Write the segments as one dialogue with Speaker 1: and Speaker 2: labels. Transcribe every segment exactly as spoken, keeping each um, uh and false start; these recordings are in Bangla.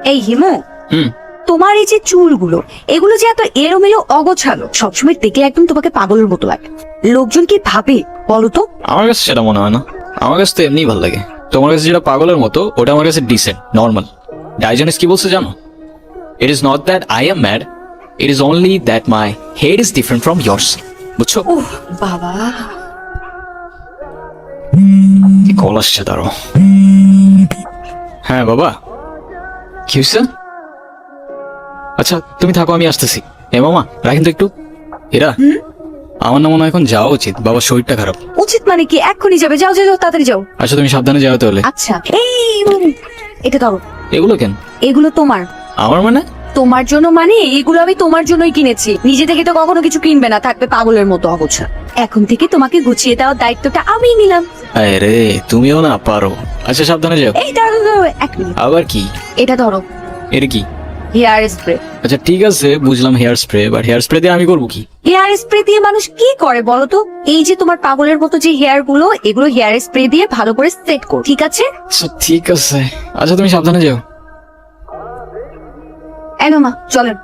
Speaker 1: এই হিমু,
Speaker 2: হুম
Speaker 1: তোমার এই যে চুলগুলো, এগুলো যে এত এলোমেলো অগোছালো, সবসময় দেখলে একদম তোমাকে পাগলের মতো লাগে। লোকজন কি ভাবে বলো তো?
Speaker 2: আমার কাছে সেটা মনে হয় না, আমার কাছে তো এমনিই ভালো লাগে। তোমার কাছে যেটা পাগলের মতো, ওটা আমার কাছে ডিসেন্ট, নর্মাল। ডাইজেনিস কি বলছে জানো? It is not that I am mad, it is only that my head is different from yours. বুঝছো?
Speaker 1: উহ বাবা,
Speaker 2: কি কল আসছে, দাঁড়ো। হ্যাঁ বাবা, কি হয়েছে? আচ্ছা তুমি থাকো, আমি আসতেছি। এ মামা রাখেন তো একটু। এরা আমার না মনে হয় এখন যাওয়া উচিত, বাবার শরীরটা খারাপ।
Speaker 1: উচিত মানে কি? এক্ষুনি যাবে? যাও যাও যাও, তাড়াতাড়ি যাও।
Speaker 2: আচ্ছা তুমি সাবধানে যাও তাহলে।
Speaker 1: আচ্ছা এই উম, এটা ধরো।
Speaker 2: এগুলো কেন
Speaker 1: এগুলো তোমার।
Speaker 2: আমার মানে?
Speaker 1: তোমার জন্য মানে এগুলো আমি তোমার জন্যই কিনেছি, নিজে থেকে তো কখনো কিছু কিনবে না, থাকবে পাগলের মতো অগোছা। এখন থেকে তোমাকে গুছিয়ে দেওয়ার দায়িত্বটা আমি নিলাম।
Speaker 2: আরে তুমিও না পারো। আচ্ছা সাবধানে যাও।
Speaker 1: এই দাঁড়াও দাঁড়াও, এক মিনিট।
Speaker 2: আবার কি?
Speaker 1: এটা ধরো,
Speaker 2: এটা কি?
Speaker 1: Hair spray.
Speaker 2: আচ্ছা ঠিক আছে, বুঝলাম hair spray, but hair spray দিয়ে আমি করবো কি?
Speaker 1: হেয়ার স্প্রে দিয়ে মানুষ কি করে বলো তো? এই যে তোমার পাগলের মতো যে হেয়ার গুলো, এগুলো হেয়ার স্প্রে দিয়ে ভালো করে সেট করো, ঠিক আছে?
Speaker 2: আচ্ছা ঠিক আছে, আচ্ছা তুমি সাবধানে যাও।
Speaker 1: এনো মা, চলেন।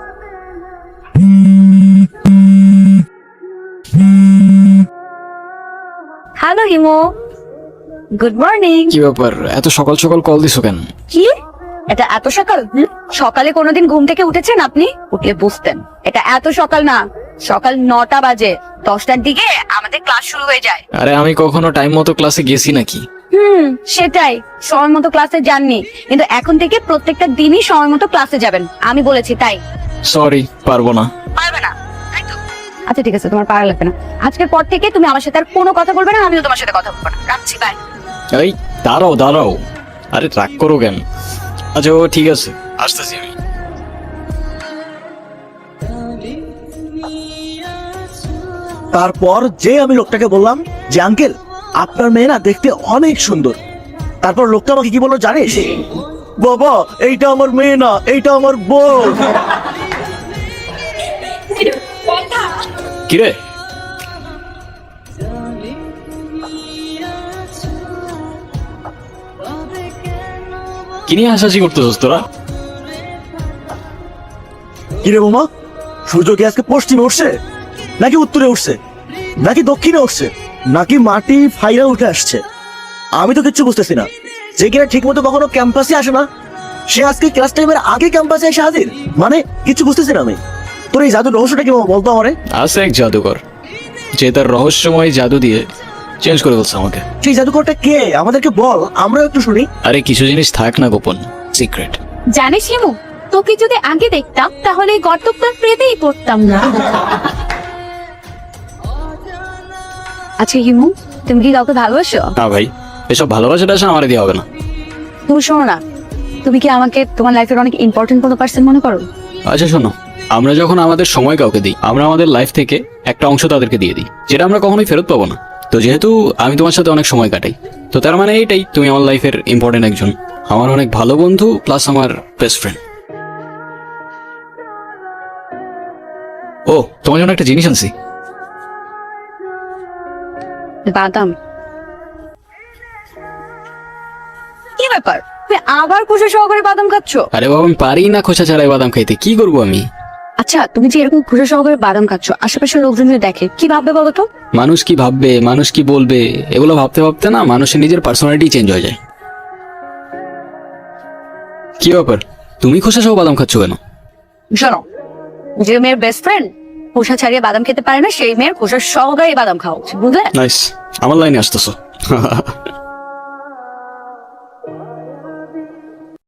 Speaker 1: Hello Himo, good morning.
Speaker 2: কি ব্যাপার, এত সকাল সকাল কল দিছো কেন?
Speaker 1: কি এটা এত সকাল? হুম? সকালে কোনোদিন ঘুম থেকে উঠেছেন আপনি? উঠলে বুঝতেন এটা এত সকাল না, সকাল নটা বাজে। দশটার দিকে আমাদের ক্লাস শুরু হয়ে যায়।
Speaker 2: আরে আমি কখনো টাইম মতো ক্লাসে গেছি নাকি?
Speaker 1: হুম, সেটাই, সময় মতো ক্লাসে যাননি, কিন্তু এখন থেকে প্রত্যেকটা দিনই সময় মতো ক্লাসে যাবেন, আমি বলেছি তাই।
Speaker 2: সরি, পারবো না।
Speaker 1: পারবে না, তাই তো? আচ্ছা ঠিক আছে, তোমার পারা লাগবে না। আজকের পর থেকে তুমি আমার সাথে আর কোনো কথা বলবে না, আমিও তোমার সাথে কথা বলবো না। রাখছি, বাই।
Speaker 2: এই দাঁড়াও দাঁড়াও, আরে রাগ করো কেন? আচ্ছা ও ঠিক আছে, আসতেছি আমি।
Speaker 3: তারপর যে আমি লোকটাকে বললাম যে আঙ্কেল আপনার মেয়ে না দেখতে অনেক সুন্দর, তারপর লোকটা আমাকে কি বললো জানিস? বাবা এইটা আমার মেয়ে না, এইটা আমার বউ।
Speaker 2: কিরে কি নিয়ে হাসাহাসি করতেছস তোরা?
Speaker 3: কিরে বোমা, সূর্য কি আজকে পশ্চিমে উঠছে নাকি উত্তরে উঠছে নাকি দক্ষিণে উঠছে নাকি মাটি ফাইরা উঠে আসছে? আমি তো কিচ্ছু বুঝতেছি না। যে কিনা ঠিক মতো কখনো ক্যাম্পাসে আসে না, সে আজকে ক্লাস টাইমের আগে ক্যাম্পাসে এসে হাজির, মানে কিছু বুঝতেছি না আমি। তোর এই জাদুর রহস্যটা কি বাবা, বলতো আমারে।
Speaker 2: আছে এক জাদুকর, যে তার রহস্যময় জাদু দিয়ে চেঞ্জ করে বলছে আমাকে।
Speaker 3: সেই জাদুকরটা কে আমাদেরকে বল, আমরাও একটু শুনি।
Speaker 2: আরে কিছু জিনিস থাক না গোপন, সিক্রেট।
Speaker 1: জানিস হিমু, তোকে যদি আগে দেখতাম তাহলে গর্তটার প্রেতেই পড়তাম না। আচ্ছা হিমু, তুমি কি কাউকে ভালোবাসো?
Speaker 2: না ভাই, এসব ভালোবাসাটা আসা আমার দিয়ে হবে না।
Speaker 1: তুমি শোনো না, তুমি কি আমাকে তোমার লাইফের অনেক ইম্পর্টেন্ট কোনো পার্সন মনে করো?
Speaker 2: আচ্ছা শোনো, আমরা যখন আমাদের সময় কাউকে দিই, আমরা আমাদের লাইফ থেকে একটা অংশ তাদেরকে দিয়ে দিই, যেটা আমরা কখনোই ফেরত পাবো না। তো যেহেতু আমি তোমার সাথে অনেক সময় কাটাই, তো তার মানে এইটাই, তুমি আমার লাইফের ইম্পর্টেন্ট একজন, আমার অনেক ভালো বন্ধু প্লাস আমার বেস্ট ফ্রেন্ড। ও তোমার জন্য একটা জিনিস আনছি।
Speaker 1: বাদাম। কি ব্যাপার, তুমি আবার খুশি সহকারে বাদাম খাচ্ছ?
Speaker 2: আরে বাবা আমি পারি না খোসা ছাড়াই বাদাম খাইতে, কি করবো আমি?
Speaker 1: আচ্ছা তুমি যে এরকম খুশি সহকারে বাদাম খাচ্ছ, আশেপাশের লোকজন যদি দেখে কি ভাববে বলো তো?
Speaker 2: মানুষ কি ভাববে, মানুষ কি বলবে, এগুলো ভাবতে ভাবতে না মানুষের নিজের পার্সোনালিটি চেঞ্জ হয়ে যায়। কি ব্যাপার, তুমি খোসা সহ বাদাম খাচ্ছ কেন?
Speaker 1: শোনো, যে মেয়ের বেস্ট ফ্রেন্ড খোসা ছাড়িয়ে বাদাম খেতে পারে না, সেই মেয়ের খোসা সহকারে বাদাম খাওয়া উচিত, বুঝলে?
Speaker 2: নাইস, আমার লাইনে আসতেছো।